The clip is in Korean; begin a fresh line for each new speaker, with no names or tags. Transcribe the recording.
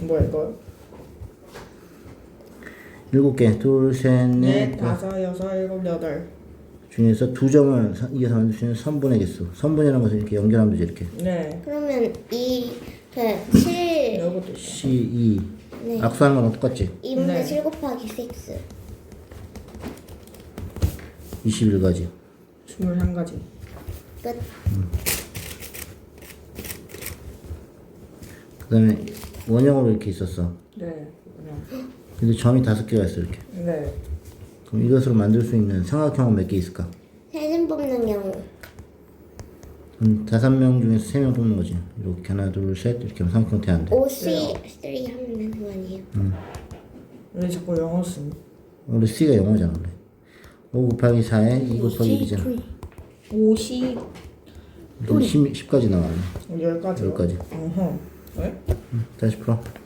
뭐야 이거?
7개. 둘, 셋, 넷,
넷, 다섯, 여섯, 일곱, 여덟.
중에서 2점을 이어서 만들 수 있는 선분의 개수. 선분이라는 것은 이렇게 연결하면 되죠. 이렇게.
네.
그러면 7
이것도 있어.
C2.
네.
악수하는 거랑 똑같지?
2분의
네.
7 곱하기 6
21가지.
21가지.
끝.
그 다음에 원형으로 이렇게 있었어.
네. 그냥.
근데 점이 5개가 있어, 이렇게.
네.
그럼 이것으로 만들 수 있는 삼각형은 몇 개 있을까?
세진 뽑는 경우
5명 중에서 3명 뽑는 거지. 이렇게 하나, 둘, 셋 이렇게 하면 삼각형 되는데.
OC3 하면 되는 거 아니에요?
왜 자꾸 영어 쓰니?
원래 C가 영어잖아, 원래. 5 곱하기 4에 2 곱하기 2잖아.
50.
10까지 나와요.
10가지.
10가지.
어허. 왜?
다시 풀어.